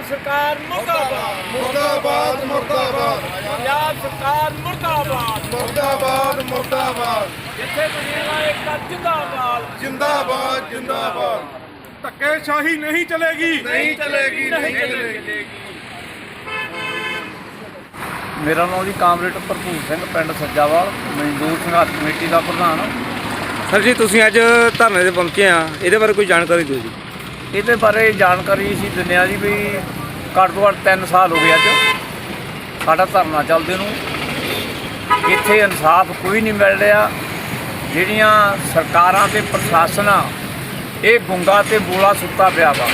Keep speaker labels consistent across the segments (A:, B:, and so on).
A: सरकार मुर्दाबाद
B: मुर्दाबाद मुर्दाबाद
A: पंजाब सरकार मुर्दाबाद
B: मुर्दाबाद मुर्दाबाद
A: जिथे बनेगा एक जिंदाबाद
B: जिंदाबाद जिंदाबाद
C: ਧੱਕੇਸ਼ਾਹੀ नहीं चलेगी
B: नहीं चलेगी नहीं चलेगी।
D: ਮੇਰਾ ਨਾਮ ਜੀ ਕਾਮਰੇਡ ਭਰਪੂਰ ਸਿੰਘ ਪਿੰਡ ਸੱਜਾਵਾਲ ਮਜ਼ਦੂਰ ਸੰਘਰਸ਼ ਕਮੇਟੀ ਦਾ ਪ੍ਰਧਾਨ।
C: ਸਰ ਜੀ ਤੁਸੀਂ ਅੱਜ ਧਰਨੇ ਤੇ ਪਹੁੰਚੇ ਆ, ਇਹਦੇ ਬਾਰੇ ਕੋਈ ਜਾਣਕਾਰੀ ਦਿਓ ਜੀ।
D: ਇਹਦੇ ਬਾਰੇ ਜਾਣਕਾਰੀ ਅਸੀਂ ਦਿੰਦੇ ਹਾਂ ਜੀ ਵੀ ਘੱਟ ਤੋਂ ਘੱਟ 3 ਸਾਲ ਹੋ ਗਏ ਅੱਜ ਸਾਡਾ ਧਰਨਾ ਚੱਲਦੇ ਨੂੰ। ਇੱਥੇ ਇਨਸਾਫ ਕੋਈ ਨਹੀਂ ਮਿਲ ਰਿਹਾ। ਜਿਹੜੀਆਂ ਸਰਕਾਰਾਂ ਤੇ ਪ੍ਰਸ਼ਾਸਨ ਆ ਇਹ ਗੁੰਗਾ ਤੇ ਬੋਲਾ ਸੁੱਤਾ ਪਿਆ ਵਾ।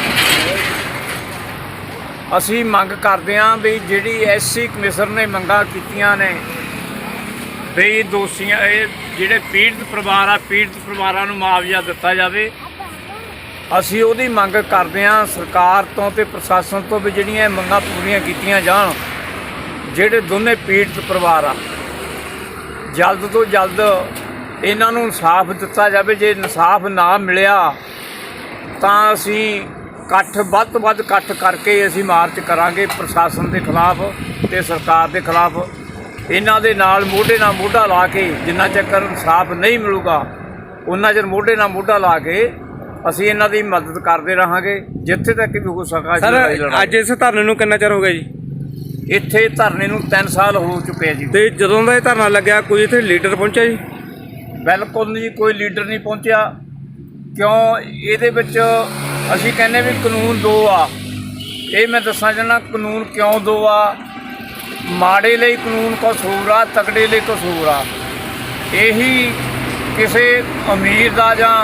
D: ਅਸੀਂ ਮੰਗ ਕਰਦੇ ਹਾਂ ਵੀ ਜਿਹੜੀ ਐਸਸੀ ਕਮਿਸ਼ਨ ਨੇ ਮੰਗਾਂ ਕੀਤੀਆਂ ਨੇ ਵੀ ਦੋਸ਼ੀਆਂ ਇਹ ਜਿਹੜੇ ਪੀੜਤ ਪਰਿਵਾਰ ਆ ਪੀੜਤ ਪਰਿਵਾਰਾਂ ਨੂੰ ਮੁਆਵਜ਼ਾ ਦਿੱਤਾ ਜਾਵੇ। ਅਸੀਂ ਉਹਦੀ ਮੰਗ ਕਰਦੇ ਹਾਂ ਸਰਕਾਰ ਤੋਂ ਤੇ ਪ੍ਰਸ਼ਾਸਨ ਤੋਂ ਵੀ ਜਿਹੜੀਆਂ ਮੰਗਾਂ ਪੂਰੀਆਂ ਕੀਤੀਆਂ ਜਾਣ। ਜਿਹੜੇ ਦੋਨੇ ਪੀੜਤ ਪਰਿਵਾਰ ਆ ਜਲਦ ਤੋਂ ਜਲਦ ਇਹਨਾਂ ਨੂੰ ਇਨਸਾਫ ਦਿੱਤਾ ਜਾਵੇ। ਜੇ ਇਨਸਾਫ ਨਾ ਮਿਲਿਆ ਤਾਂ ਅਸੀਂ ਇਕੱਠ ਵੱਧ ਤੋਂ ਵੱਧ ਇਕੱਠ ਕਰਕੇ ਅਸੀਂ ਮਾਰਚ ਕਰਾਂਗੇ ਪ੍ਰਸ਼ਾਸਨ ਦੇ ਖਿਲਾਫ ਤੇ ਸਰਕਾਰ ਦੇ ਖਿਲਾਫ। ਇਹਨਾਂ ਦੇ ਨਾਲ ਮੋਢੇ ਨਾਲ ਮੋਢਾ ਲਾ ਕੇ ਜਿੰਨਾ ਚਿਰ ਇਨਸਾਫ ਨਹੀਂ ਮਿਲੂਗਾ ਉਹਨਾਂ ਚਿਰ ਮੋਢੇ ਨਾਲ ਮੋਢਾ ਲਾ ਕੇ ਅਸੀਂ ਇਹਨਾਂ ਦੀ ਮਦਦ ਕਰਦੇ ਰਹਾਂਗੇ ਜਿੱਥੇ ਤੱਕ ਵੀ ਹੋ ਸਕਾ।
C: ਸਰ ਅੱਜ ਇਸ ਧਰਨੇ ਨੂੰ ਕਿੰਨਾ ਚਿਰ ਹੋ ਗਿਆ ਜੀ?
D: ਇੱਥੇ ਧਰਨੇ ਨੂੰ 3 ਸਾਲ ਹੋ ਚੁੱਕੇ ਆ ਜੀ।
C: ਤੇ ਜਦੋਂ ਦਾ ਇਹ ਧਰਨਾ ਲੱਗਿਆ ਕੋਈ ਇੱਥੇ ਲੀਡਰ ਪਹੁੰਚਿਆ ਜੀ?
D: ਬਿਲਕੁਲ ਨਹੀਂ, ਕੋਈ ਲੀਡਰ ਨਹੀਂ ਪਹੁੰਚਿਆ। ਕਿਉਂ ਇਹਦੇ ਵਿੱਚ ਅਸੀਂ ਕਹਿੰਦੇ ਵੀ ਕਾਨੂੰਨ ਦੋ ਆ। ਇਹ ਮੈਂ ਦੱਸਣਾ ਚਾਹੁੰਦਾ ਕਾਨੂੰਨ ਕਿਉਂ ਦੋ ਆ। ਮਾੜੇ ਲਈ ਕਾਨੂੰਨ ਕੁਛ ਹੋਰ ਆ, ਤਕੜੇ ਲਈ ਕੁਛ ਹੋਰ ਆ। ਇਹੀ ਕਿਸੇ ਅਮੀਰ ਦਾ ਜਾਂ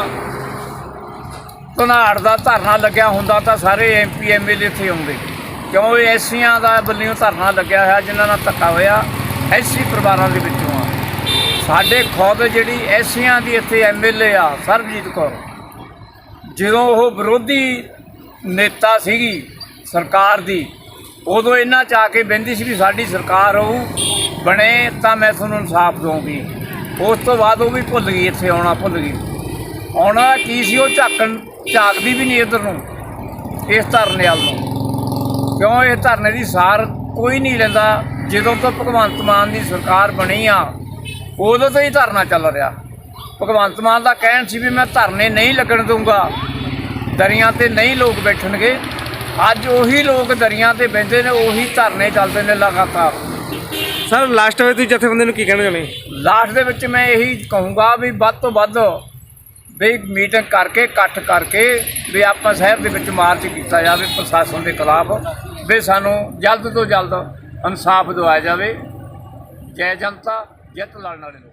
D: ਧਨਾੜ ਦਾ ਧਰਨਾ ਲੱਗਿਆ ਹੁੰਦਾ ਤਾਂ ਸਾਰੇ MP MLA ਇੱਥੇ ਆਉਂਦੇ। ਕਿਉਂ ਇਹ ਐਸੀਆਂ ਦਾ ਵੱਲੋਂ ਧਰਨਾ ਲੱਗਿਆ ਹੋਇਆ ਜਿਨ੍ਹਾਂ ਨਾਲ ਧੱਕਾ ਹੋਇਆ ਐਸੀ ਪਰਿਵਾਰਾਂ ਦੇ ਵਿੱਚੋਂ ਆ। ਸਾਡੇ ਖੁਦ ਜਿਹੜੀ ਐਸੀਆਂ ਦੀ ਇੱਥੇ MLA ਆ ਸਰਬਜੀਤ ਕੌਰ, ਜਦੋਂ ਉਹ ਵਿਰੋਧੀ ਨੇਤਾ ਸੀਗੀ ਸਰਕਾਰ ਦੀ ਉਦੋਂ ਇਹਨਾਂ 'ਚ ਆ ਕੇ ਬਹਿੰਦੀ ਸੀ ਵੀ ਸਾਡੀ ਸਰਕਾਰ ਹੋਊ ਬਣੇ ਤਾਂ ਮੈਂ ਤੁਹਾਨੂੰ ਇਨਸਾਫ ਦਊਂਗੀ। ਉਸ ਤੋਂ ਬਾਅਦ ਉਹ ਵੀ ਭੁੱਲ ਗਈ, ਇੱਥੇ ਆਉਣਾ ਭੁੱਲ ਗਈ। ਆਉਣਾ ਕੀ ਸੀ ਉਹ ਝਾਕਦੀ ਵੀ ਨਹੀਂ ਇੱਧਰ ਨੂੰ ਇਸ ਧਰਨੇ ਵੱਲ ਨੂੰ। ਕਿਉਂ ਇਹ ਧਰਨੇ ਦੀ ਸਾਰ ਕੋਈ ਨਹੀਂ ਲੈਂਦਾ। ਜਦੋਂ ਤੋਂ ਭਗਵੰਤ ਮਾਨ ਦੀ ਸਰਕਾਰ ਬਣੀ ਆ ਉਦੋਂ ਤੋਂ ਹੀ ਧਰਨਾ ਚੱਲ ਰਿਹਾ। ਭਗਵੰਤ ਮਾਨ ਦਾ ਕਹਿਣ ਸੀ ਵੀ ਮੈਂ ਧਰਨੇ ਨਹੀਂ ਲੱਗਣ ਦਊਂਗਾ, ਦਰੀਆਂ ਤੇ ਨਹੀਂ ਲੋਕ ਬੈਠਣਗੇ। ਅੱਜ ਉਹੀ ਲੋਕ ਦਰੀਆਂ ਤੇ ਬਹਿੰਦੇ ਨੇ, ਉਹੀ ਧਰਨੇ ਚੱਲਦੇ ਨੇ ਲਗਾਤਾਰ।
C: ਸਰ ਲਾਸਟ ਵਿੱਚ ਤੁਸੀਂ ਜਥੇਬੰਦੀ ਨੂੰ ਕੀ ਕਹਿਣਾ ਚਾਹੁੰਦੇ?
D: ਲਾਸਟ ਦੇ ਵਿੱਚ ਮੈਂ ਇਹੀ ਕਹੂੰਗਾ ਵੀ ਵੱਧ ਤੋਂ ਵੱਧ ਵੀ ਮੀਟਿੰਗ ਕਰਕੇ ਇਕੱਠ ਕਰਕੇ ਵੀ ਆਪਾਂ ਸ਼ਹਿਰ ਦੇ ਵਿੱਚ ਮਾਰਚ ਕੀਤਾ ਜਾਵੇ ਪ੍ਰਸ਼ਾਸਨ ਦੇ ਖਿਲਾਫ ਵੀ ਸਾਨੂੰ ਜਲਦ ਤੋਂ ਜਲਦ ਇਨਸਾਫ ਦਿਵਾਇਆ ਜਾਵੇ। ਜੈ ਜਨਤਾ ਜਿੱਤ ਲੜਨ ਵਾਲੇ ਲੋਕ।